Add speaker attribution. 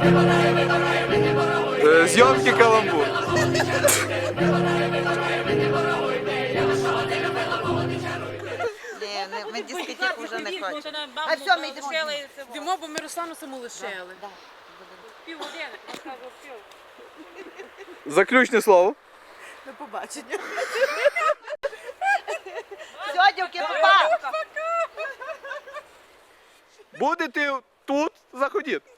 Speaker 1: Зйомки каламбур.
Speaker 2: Ні, ми дискотеку вже не хочемо. А все, ми йдемо.
Speaker 3: Йдемо, бо ми Руслану саму лишили.
Speaker 4: Півгодини, розказував пів.
Speaker 1: Заключне слово.
Speaker 2: До побачення. Все, дівки, папа.
Speaker 1: Будете тут, заходіть.